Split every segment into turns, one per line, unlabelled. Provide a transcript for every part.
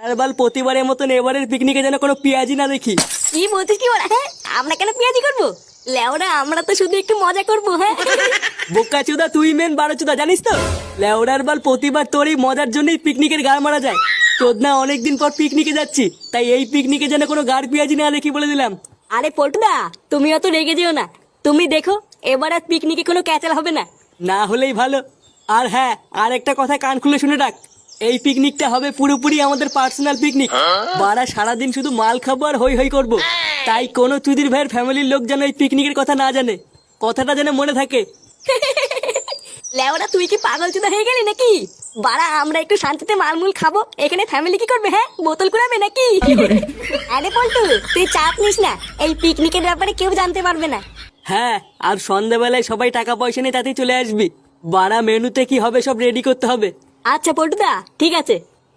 আর বাল প্রতিবারের মতন এবারের পিকনিকে যেন কোনো পেঁয়াজি না দেখি।
কি বলছিস কি ওরা? হ্যাঁ, আমরা কেন পেঁয়াজি করবো? লেওরা আমরা তো শুধু একটু মজা করবো। হ্যাঁ
বোকা চুদা তুই মেন বারো চুদা জানিস তো, লেওড়ার বাল প্রতিবার তোর এই মজার জন্যই পিকনিকের গাড় মারা যায়। চোদনা অনেকদিন পর পিকনিকে যাচ্ছি, তাই এই পিকনিকে যেন কোনো গাড় পেঁয়াজি না দেখি বলে দিলাম।
আরে পল্টুদা, তুমি অত রেগে যেও না। তুমি দেখো এবার আর পিকনিকে কোনো ক্যাচাল হবে না।
না হলেই ভালো। আর হ্যাঁ, আর একটা কথা কান খুলে শুনে রাখ, এই পিকনিকটা হবে পুরোপুরি আমাদের পার্সোনাল পিকনিক। বারা সারাদিন শুধু মাল খাবো আর হই হই করবো। তাই কোনো চুদির ভাইয়ের ফ্যামিলির লোক যেন এই পিকনিকের কথা না জানে, কথাটা যেন মনে থাকে।
লেওরা তুই কি পাগল চুদা হয়ে গেলি নাকি? বাড়া আমরা একটু শান্তিতে মালমুল খাবো, এখানে ফ্যামিলি কি করবে? হ্যাঁ, বোতল কুড়াবে নাকি? আরে পল্টু তুই চাপ নিস না, এই পিকনিকের ব্যাপারে কেউ জানতে পারবে না।
হ্যাঁ, আর সন্ধ্যাবেলায় সবাই টাকা পয়সা নিয়ে তাতেই চলে আসবি। বারা মেনুতে কি হবে সব রেডি করতে হবে।
আচ্ছা পল্টুদা, ঠিক আছে।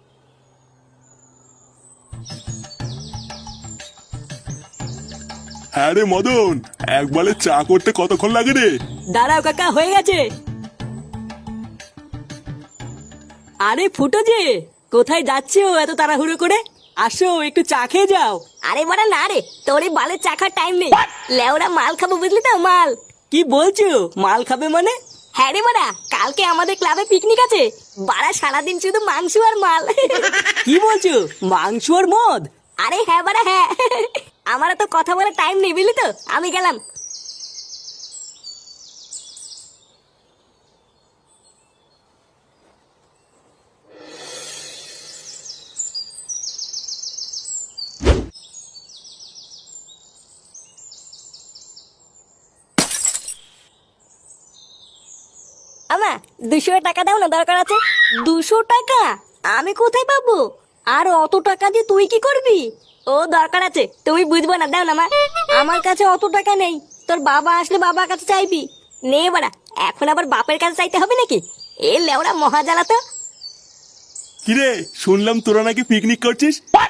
হ্যাঁ রে মদন, একবারে চা করতে কতক্ষণ লাগে রে?
দাঁড়াও কাকা, হয়ে গেছে। আরে ফুটো যে, কোথায় যাচ্ছো এত তাড়াহুড়ো করে? আসো একটু চা খেয়ে যাও।
আরে বাড়া না রে, তোর এই বালের চাখার টাইম নেই। লেওরা মাল খাবো বুঝলি তো, মাল।
কি বলছো? মাল খাবে মানে?
হ্যাঁ রে বাড়া, কালকে আমাদের ক্লাবে পিকনিক আছে। বাড়া সারাদিন শুধু মাংস আর মাল।
কি বলছো? মাংস আর মদ?
আরে হ্যাঁ বাড়া হ্যাঁ, আমার তো কথা বলার টাইম নেই বুঝলি তো, আমি গেলাম। আমা 200 টাকা দাও না, দরকার আছে। 200 টাকা আমি কোথায় পাবো? আর অত টাকা দিয়ে তুই কি করবি? ও দরকার আছে, তুমি বুঝবো না, দাও না মা। আমার কাছে অত টাকা নেই, তোর বাবা আসলে বাবার কাছে চাইবি। নে বাড়া, এখন আবার বাপের কাছে চাইতে হবে নাকি? এ লেওড়া মহা জ্বালা তো।
কিরে, শুনলাম তোরা নাকি পিকনিক করছিস?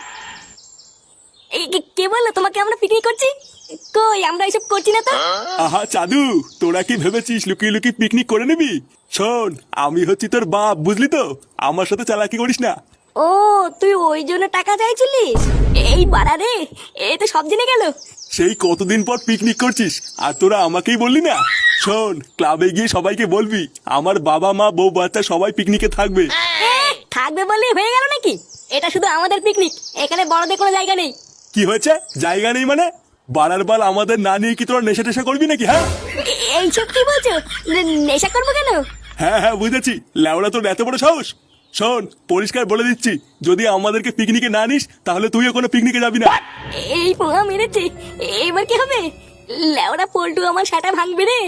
এই কে বললো তোমাকে আমরা পিকনিক করছি? কই, আমরা এসব করছি না তো।
আহা চাদু, তোরা কি ভেবেছিস লুকিয়ে লুকিয়ে পিকনিক করে নিবি? শোন, আমি হচ্ছি তোর বাপ, বুঝলি তো? আমার সাথে চালাকি করিস না।
ও তুই ওই জন্য টাকা চাইছিলিস? এই বাড়া রে, এ তো সব জেনে গেল।
সেই কতদিন পর পিকনিক করছিস আর তোরা আমাকেই বললি না? শোন, ক্লাবে গিয়ে সবাইকে বলবি আমার বাবা মা বউ বাচ্চা সবাই পিকনিকে থাকবে।
থাকবে বললে হয়ে গেল নাকি? এটা শুধু আমাদের পিকনিক, এখানে বড়দের কোনো জায়গা নেই।
কি হয়েছে? জায়গা নেই মানে? বাড়ার বাল আমাদের না নিয়ে কি তোরা নেশা টেশা করবি নাকি? হ্যাঁ
এইসব কি বলছো? নেশা করবো কেন?
হ্যাঁ হ্যাঁ বুঝেছি, ল্যাওড়া তোর এত বড় সাহস। শোন, পরিষ্কার বলে দিচ্ছি, যদি আমাদেরকে পিকনিকে না নিস তাহলে তুইও কোনো পিকনিকে যাবি না।
এই পোঙা মেরেছে, এবার কি হবে? লেওড়া পল্টু আমার সাটা ভাঙবে রে।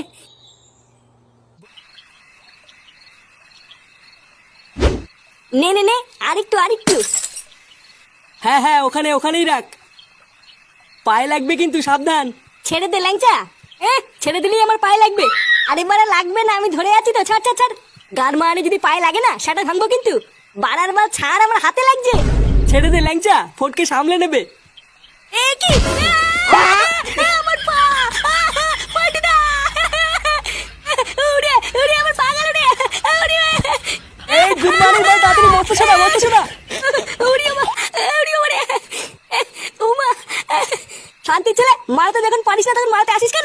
নে নে নে, আরেকটু আরেকটু।
হ্যাঁ হ্যাঁ, ওখানে ওখানেই রাখ। পায়ে লাগবে কিন্তু, সাবধান।
ছেড়ে দে ল্যাংচা। ছেড়ে দিলেই আমার পায়ে লাগবে। আরে বাড়া লাগবে না, আমি ধরে আছি তো, ছাড় ছাড় ছাড়। গান মানে যদি পায়ে লাগে না, সেটা ভাঙবো কিন্তু। বাড়ার বার ছাড়, আমার হাতে লাগছে।
ছেড়ে দে ল্যাংচা, ফটকে সামলে নেবে।
এ কি? আমার পা! পল্টুদা! উড়ে উড়ে আমার পা গেল রে। উড়ে
এই গুড মর্নিং ভাই, তাড়াতাড়ি মরতে শোনা, মরতে শোনা।
উড়ে উড়ে উড়ে উমা! শান্তি ছেলে, মারতে যখন পারিস না তখন মারতে আসিস কেন?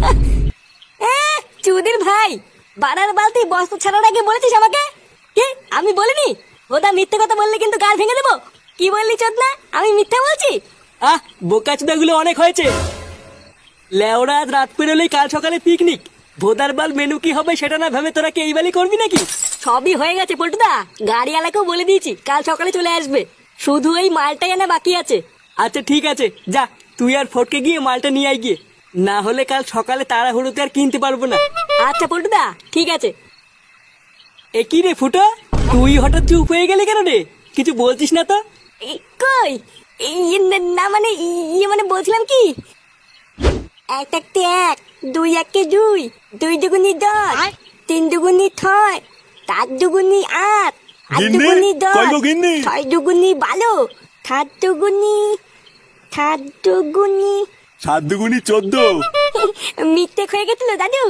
চুদির ভাই, বানার বালতি বস্তা ছাড়ার আগে বলেছিস আমাকে? কি আমি বলিনি? ওটা মিথ্যে কথা বললে কিন্তু গাল ভেঙে দেবো। কি বললি চোদনা? আমি মিথ্যা বলছি?
বোকাচুদাগুলো অনেক হয়েছে। লেওরা আজ রাত পেরোলেই কাল সকালে পিকনিক। ভোদার বাল মেনু কি হবে সেটা না ভেবে তোরা কি এই বালি করবি নাকি?
সবই হয়ে গেছে পল্টুদা, গাড়িওয়ালাকেও বলে দিয়েছি কাল সকালে চলে আসবে। শুধু এই মালটাই আনা বাকি আছে।
আচ্ছা ঠিক আছে, যা তুই আর ফটকে গিয়ে মালটা নিয়ে আয় গিয়ে, না হলে কাল সকালে তাড়াহুড়োতে আর কিনতে পারবো না।
আচ্ছা পল্টুদা, ঠিক আছে।
এ কি রে ফুটো, তুই হঠাৎ চুপ হয়ে গেলি কেন রে? কিছু বলছিস না তো?
কই, না মানে মানে বলছিলাম কি, এক একটি এক, দুই একে দুই, দুই দুগুনি দশ, তিন দুগুনি ছয়, চার দুগুনি আট, আট
গিন্নি?
দুগুনি দশ,
কই গো গিন্নি?
ছয় দুগুনি বারো, সাত দুগুনি, সাত দুগুনি।
7 দুগুনি 14।
মিথ্যে হয়ে গেছিল দাদু।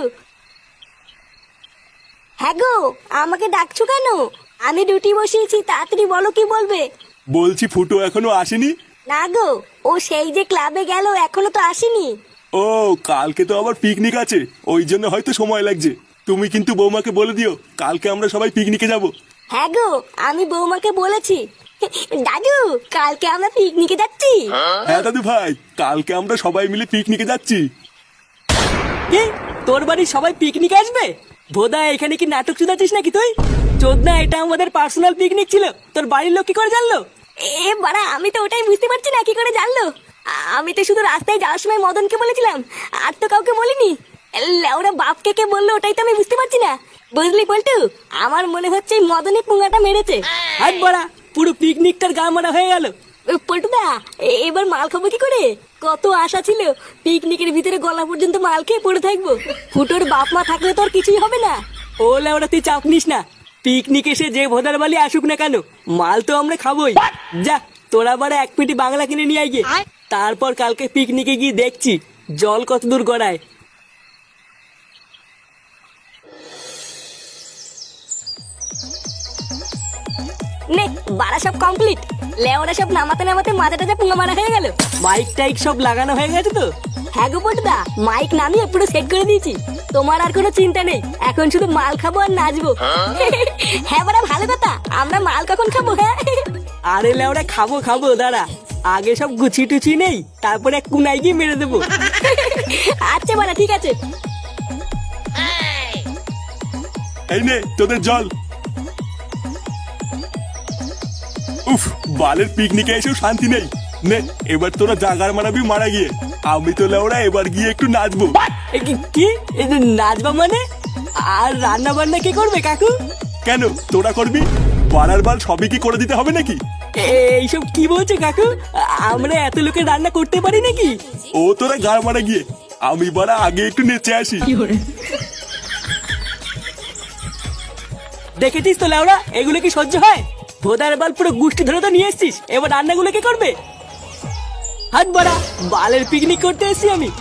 হ্যাঁ গো, আমাকে ডাকছো কেন? আমি রুটি বসিয়েছি, তাড়াতাড়ি বলো কি বলবে।
বলছি ফুটো এখনো আসেনি?
না গো, ও সেই যে ক্লাবে গেল এখনো তো আসেনি।
ও, কালকে তো আবার পিকনিক আছে, ওই জন্য হয়তো সময় লাগছে। তুমি কিন্তু বৌমাকে বলে দিও কালকে আমরা সবাই পিকনিকে যাব।
হ্যাঁ গো, আমি বৌমাকে বলেছি। দাদু, কালকে আমরা পিকনিকে যাচ্ছি।
হ্যাঁ দাদু ভাই, কালকে আমরা সবাই মিলে পিকনিকে যাচ্ছি।
কি, তোর বাড়ির সবাই পিকনিক আসবে? ভোদা, এখানে কি নাটক চুদাচ্ছিস নাকি তুই? চোদনা, এটা আমাদের পার্সোনাল পিকনিক ছিল, তোর বাড়ির লোক কি করে জানলো?
এ বাড়া, আমি তো ওটাই বুঝতে পারছি না কি করে জানলো। আমি তো শুধু রাস্তায় যাওয়ার সময় মদনকে বলেছিলাম, আর তো কাউকে বলিনি। ওরা বাপকে কে বললো ওটাই তো আমি বুঝতে পারছি না। বুঝলি পল্টু, আমার মনে হচ্ছে এই মদনই পুঙ্গাটা মেরেছে।
হাট বড়া, পুরো পিকনিকটার গা মারা হয়ে গেল।
পল্টুদা, এবার মাল খাবো কি করে? কত আশা ছিল পিকনিকের ভিতরে গলা পর্যন্ত মাল খেয়ে পড়ে থাকবো। ফুটোর বাপ মা থাকলে তো আর কিছুই হবে না।
ও লেওড়া, তুই চাপ নিস না। পিকনিক এসে যে ভোদার বালি আসুক না কেন, মাল তো আমরা খাবোই। যা, তোরা বারে এক পেটি বাংলা কিনে নিয়ে আয় গিয়ে। তারপর কালকে পিকনিকে গিয়ে দেখছি জল কত দূর গড়ায়।
নে বাড়া, সব কমপ্লিট। লেওরা সব নামাতে নামাতে মাথাটা পুঙ্গা মারা হয়ে গেল।
মাইক টাইক সব লাগানো হয়ে গেছে তো?
হ্যাঁ গো পল্টুদা, মাইক নামিয়ে পুরো সেট করে দিয়েছি। তোমার আর কোনো চিন্তা নেই, এখন শুধু মাল খাবো আর নাচবো। হ্যাঁ বাড়া, ভালো কথা। আমরা মাল কখন খাবো? হ্যাঁ,
আরে লেওড়া, খাবো খাবো, দাঁড়া। আগে সব গুছি টুচি নেই, তারপরে এক কুনাই গিয়ে মেরে দেবো।
আচ্ছা বাড়া, ঠিক আছে।
এই নে তোদের জল। উফ, বালের পিকনিকে এসেও শান্তি নেই। নে, এবার তোরা জাগার মারাবি মারা গিয়ে। আমি তো লেওড়া এবার গিয়ে একটু নাচবো।
কি এই যে নাচবা মানে? আর রান্না বান্না কে করবে কাকু?
কেন, তোরা করবি? বাড়ার বাল সবই কি করে দিতে হবে নাকি?
এইসব কি বলছে কাকু? আমরা এত লোকের রান্না করতে পারি নাকি?
ও তোরা গাড় মারা গিয়ে, আমি বাড়া আগে একটু নেচে আসি।
দেখেছিস তো লেওড়া, এগুলো কি সহ্য হয়? ভোদার বাল পুরো গুষ্টি ধরে তো নিয়ে এসছিস, এবার রান্নাগুলো কে করবে? হাত বাড়া, বালের পিকনিক করতে এসছি আমি।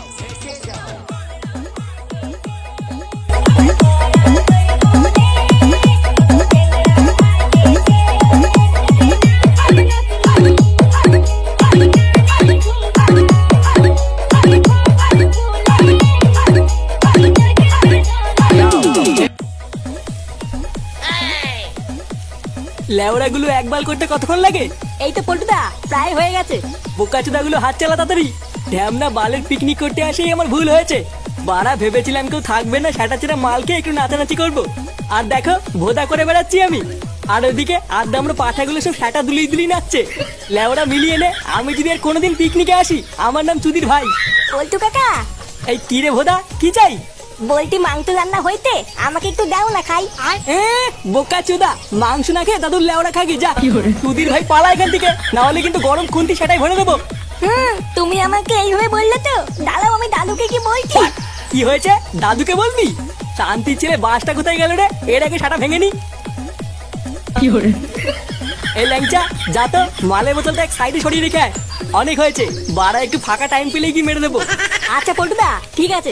লেওড়া গুলো একবার করতে কতক্ষণ লাগে?
এই তো পল্টুদা, প্রায় হয়ে গেছে।
বোকাচোদা গুলো হাত চালা তাড়াতাড়ি। ঢ্যামনা বালের পিকনিক করতে আসেই আমার ভুল হয়েছে। বাড়া, ভেবেছিলাম কেউ থাকবে না, সেটা চেরা মালকে একটু নাচানাচি করবো। আর দেখো, ভোদা করে বেড়াচ্ছি আমি। আর ওইদিকে আড্ডামরা পাঠাগুলো সব সেটা দুলিয়ে দুলিয়ে নাচছে। লেওড়া মিলিয়ে নে, আমি যদি আর কোনোদিন পিকনিকে আসি, আমার নাম চুদির ভাই।
পল্টু কাকা,
এই কি রে ভোদা, কি চাই?
বলটি মাংস রান্না হইতে, আমাকে একটু দাও না খাই।
বোকাচোদা, মাংস না খেয়ে দাদুর লেওড়া খাগি যা। চুদির ভাই পালা এখান থেকে, না হলে কিন্তু গরম খুন্তি সেটাই ভরে দেবো।
তুমি আমাকে এইভাবে বললে তো, দাঁড়াও আমি দাদুকে কি বলছি।
কি হয়েছে, দাদুকে বলবি? শান্তি ছেলে বাসটা কোথায় গেল রে? এর আগে সাটা ভেঙে নি। এই ল্যাংচা, যা তো মালের বোতলটা এক সাইডে সরিয়ে রেখে আয়। অনেক হয়েছে, বাড়া একটু ফাঁকা টাইম পেলেই কি মেরে দেবো।
আচ্ছা পল্টুদা, ঠিক আছে।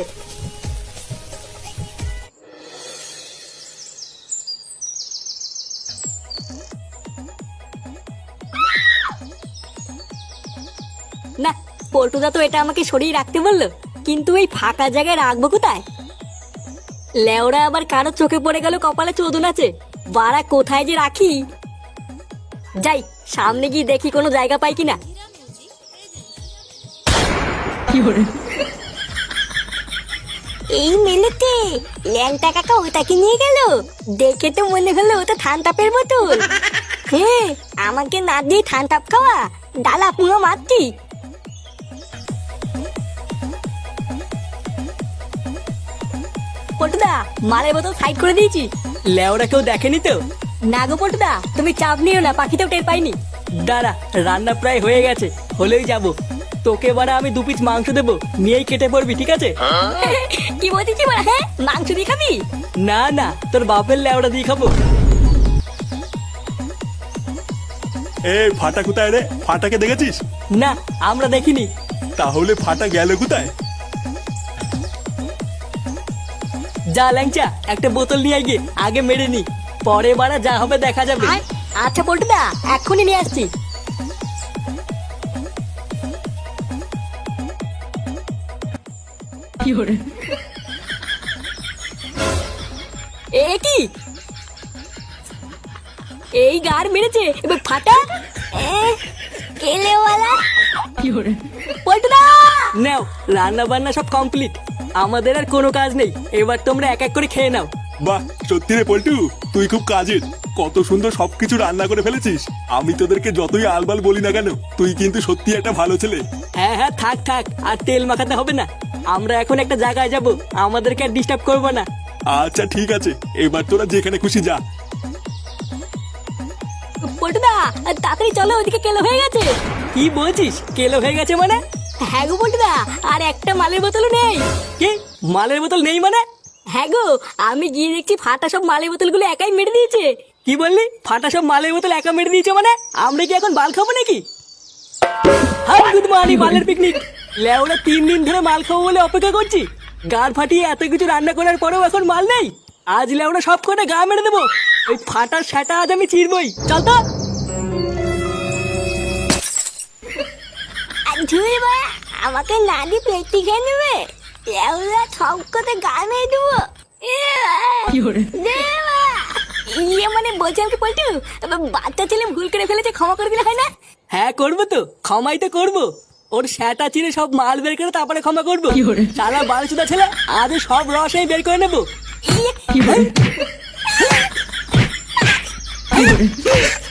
না, পল্টুদা তো এটা আমাকে সরিয়ে রাখতে বললো, কিন্তু এই ফাঁকা জায়গায় রাখবো কোথায়? লেওরা আবার কারো চোখে পড়ে গেল কপালে চোদন আছে। বাড়া, কোথায় যে রাখি? যাই, সামনে গিয়ে দেখি কোনো জায়গা পাই কিনা। এই মেলেতে ল্যাংটা কাকা ওটাকে নিয়ে গেল। দেখে তো মনে হলো ওটা ঠান্ডাপের বোতল। হ্যাঁ, আমাকে না দিয়ে ঠান্ডাপ খাওয়া, ডালা পুরো মারছি। পল্টুদা, মালের বোতল সাইড করে দিয়েছি।
লেওরা কেউ দেখেনি তো?
না গো পল্টুদা, তুমি চাপ নিও না, পাখিতেও টের পাইনি।
দাঁড়া, রান্না প্রায় হয়ে গেছে, হলেই যাবো। তোকে বারা আমি 2 পিস মাংস দেবো, নিয়েই কেটে পড়বি, ঠিক আছে?
কি বলছিস বলা? হ্যাঁ, মাংস দিয়ে খাবি?
না না, তোর বাপের লেওড়া দিয়ে খাবো।
এ ফাটা কোথায় রে? ফাটাকে দেখেছিস?
না, আমরা দেখিনি।
তাহলে ফাটা গেল কোথায়?
যা ল্যাংচা, একটা বোতল নিয়ে গিয়ে আগে মেরে নি, পরে বারা যা হবে দেখা যাবে।
আচ্ছা পল্টুদা, এক্ষুনি নিয়ে আসছি। এ কি এই গার মেরেছে এবার ফাটা কেলেওয়ালা পল্টুদা
নাও, রান্না বান্না সব কমপ্লিট, আমাদের আর কোনো কাজ নেই, এবার তোমরা এক এক করে খেয়ে নাও।
বাহ, সত্যি রে পল্টু, তুই খুব কাজের। কত সুন্দর সবকিছু রান্না করে ফেলেছিস। আমি তোদেরকে যতই আলবাল বলি না কেন, তুই কিন্তু সত্যি একটা ভালো ছেলে।
হ্যাঁ হ্যাঁ, থাক থাক, আর তেল মাখাতে হবে না। আমরা এখন একটা জায়গায় যাব, আমাদেরকে আর ডিস্টার্ব করবো না।
আচ্ছা ঠিক আছে, এবার তোরা যেখানে খুশি যা।
পল্টুদা তাড়াতাড়ি চলো, ওদিকে কেলো হয়ে গেছে।
কি বলছিস, কেলো হয়ে গেছে মানে?
হ্যাঁ গো পল্টুদা, আর একটা মালের বোতলও নেই।
কি, মালের বোতল নেই মানে?
হ্যাঁ গো, আমি গিয়ে দেখছি ফাটা সব মালের বোতলগুলো একাই মেরে দিয়েছে।
কি বললি, ফাটা সব মালের বোতল একা মেরে দিয়েছে মানে? আমরা কি এখন বাল খাবো নাকি? হাই গুড মর্নিং, মালের পিকনিক। লেওরা 3 দিন ধরে মাল খাবো বলে অপেক্ষা করছি, গার ফাটিয়ে এত কিছু রান্না করার পরেও এখন মাল নেই। আজ লেওরা সব কটা গা মেরে দেবো। ওই ফাটার সেটা আজ আমি চিরবই। চল তো।
ধুই বা আমাকে না দি পেটি খেয়ে নেবে, লেওরা সব কথা গা মেরে দেবো। ইয়ে মানে বলছিলাম কি পল্টু, বাচ্চা ছেলে ভুল করে ফেলেছে, ক্ষমা করে দিলে হয় না?
হ্যাঁ করবো তো, ক্ষমাই তো করবো। ওর সেটা চিরে সব মাল বের করে তারপরে ক্ষমা করবো। সারা বালচুদা ছেলে, আজ সব রসই বের করে নেবো।
ইয়ে